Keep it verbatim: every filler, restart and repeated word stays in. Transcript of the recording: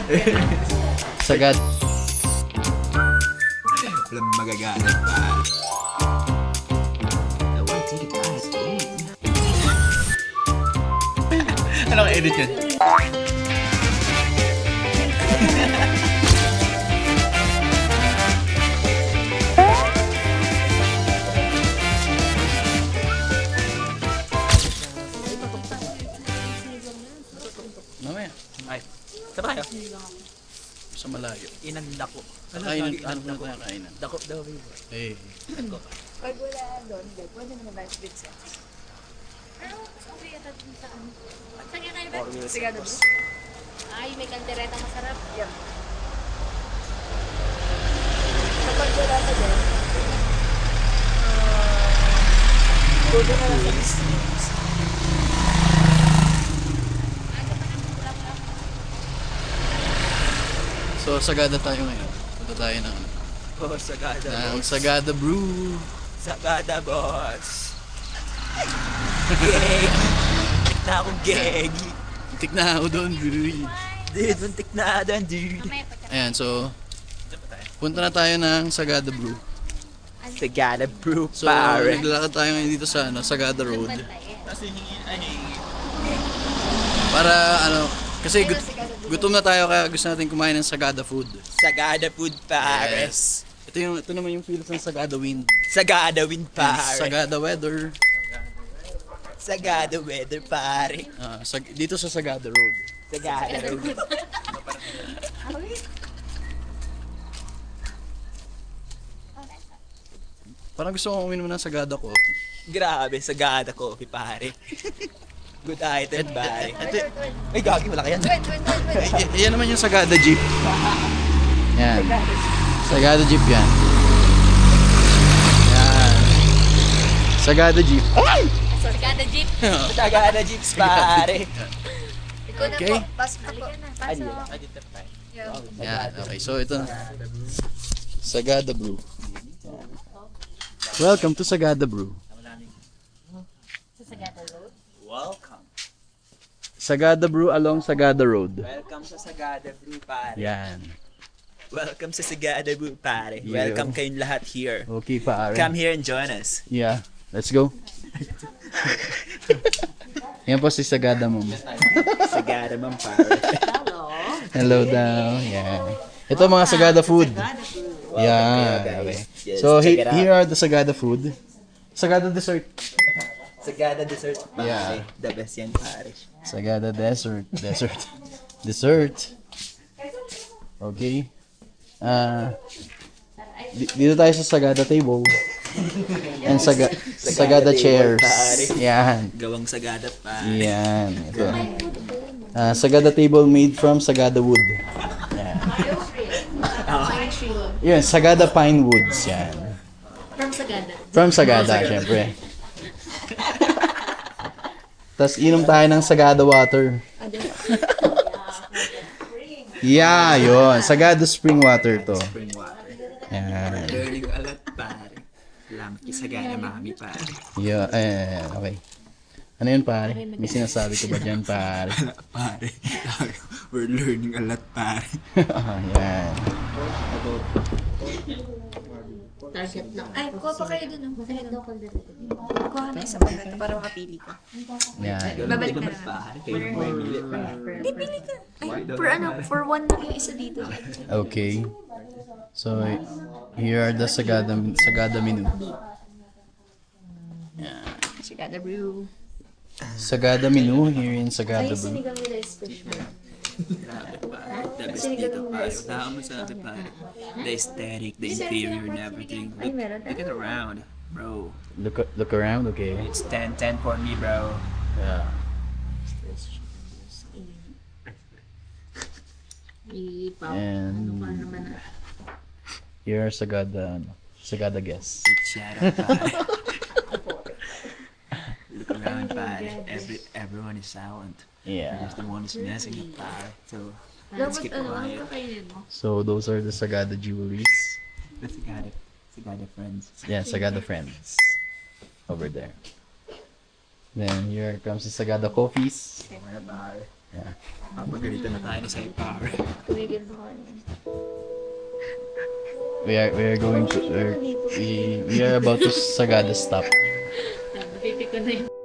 Sagad. Walang magagalit pa. I want to get out of Ano ka edit yan? Mamaya. Ay, saan tayo? Sa malayo. Inandako. Kainan, ano na tayo kainan? Dako daw, baby. Eh. Pag wala doon, Dad, pwede naman ba split sets? Pero, okay yata dun sa ano. Saan kayo kayo ba? Sigado ba? Ay, may kaldereta masarap. Yeah. Kapag wala ka doon, uh, doon na lang sa business. Ano pa nang pula-pula? So, Sagada tayo ngayon. Punta tayo ng, Oh, Sagada, ng boss. Sagada Brew. Sagada, boss. Gegi. Na akong gegi. Tik na ako doon, brewery. Dude, muntik na doon, dude. Mamaya pa tayo. Ayan, so, punta na tayo ng Sagada Brew. Sagada brew, So, pare. naglalakad tayo ngayon dito sa ano, Sagada Road. Bantay eh. Kasi hingin, ay, Para ano, kasi gut- gutom na tayo kaya gusto natin kumain ng Sagada food. Sagada food, pares. Ito yung ito naman yung feels ng Sagada wind. Sagada wind, pare. Sagada weather. Sagada weather, pare. Ah, sag- dito sa Sagada Road. Sagada road. Parang gusto kong uminom ng Sagada coffee. Grabe, Sagada coffee, pare. Good item, pare. Ito, Ay, gagi, wala ka yan. Wait, wait, wait, wait. y- y- yan naman yung Sagada jeep. Yan. Sagada jeep yan. Yan. Sagada jeep. Sagada jeep. Sagada jeeps, pare. Ikaw na Okay. po, pasok na po. Adi, Pasok. adi, tayo. Yeah. Yan. Okay, so ito na. Sagada Brew. Welcome to Sagada Brew. Sa Sagada Road. Welcome. Sagada Brew along Sagada Road. Welcome sa Sagada Brew, pare. Yan. Welcome sa Sagada Brew, pare. Yeah. Welcome kayong lahat here. Okay, pare. Come here and join us. Yeah. Let's go. Yan po si Sagada Mom. Sagada man, pare. Hello. Hello daw. Yeah. Ito mga Sagada food. Yeah. kayo, Okay. guys. Yes, So he- check it out. here are the Sagada food. Sagada dessert. Sagada dessert, pare. Yeah. The best yan, pare. Sagada dessert. Dessert. Dessert. Okay. Ah, di- dito tayo sa Sagada table. And saga- Sagada table, chairs. pare. Yan. Gawang Sagada, pare. Yan. Ito. Ah, Sagada table made from Sagada wood. Yan. Yan, Sagada pine woods. Yan. From Sagada. From Sagada, syempre. Tapos inom tayo ng Sagada water. Yeah, yun. Sagada spring water to. Spring water. Yan. Learning a lot, pare. Salamat kay Sagada, mami, pare. Yeah, eh, okay. Ano yun, pare? May sinasabi ko ba dyan, pare? Pare, we're learning a lot, pare. Ah, yan. Target lang. Ay, kuha pa kayo dun. oh. Masarap daw kaldereta. Kuha na isang pagkata para makapili ka. Yan. Babalik na naman, lang. pare. Kayo mo mamili, pare. Hindi, pili ka. Ay, for ano, for one lang yung isa dito. Okay. So, here are the Sagada, Sagada menu. Sigada brew. Sagada menu here in Sagada Brew. Sinigang nila is special. Grabe, pare. The best dito, pare. Wala kang masabi, pare. The aesthetic, the interior, and everything. Look, look at around, bro. Look look around, okay. It's ten ten for me, bro. Yeah. Ipaw. And Ano pa naman ah. here are Sagada, ano, Sagada guests. Shut up, pare. Look around, pare. Every, everyone is silent. Yeah. Just the one is messing up, pare. So, let's Dapat keep ano, quiet. ang kakainin mo? So those are the Sagada jewelries. Let's Sagada, Sagada friends. Yeah, Sagada friends. Over there. Then here comes the Sagada coffees. Wala, pare. Yeah. Papagalitan na tayo ni Sai Power. Tumigil ba kayo? We are we are going to we're- we we are about to Sagada stop. Napipi ko na yun.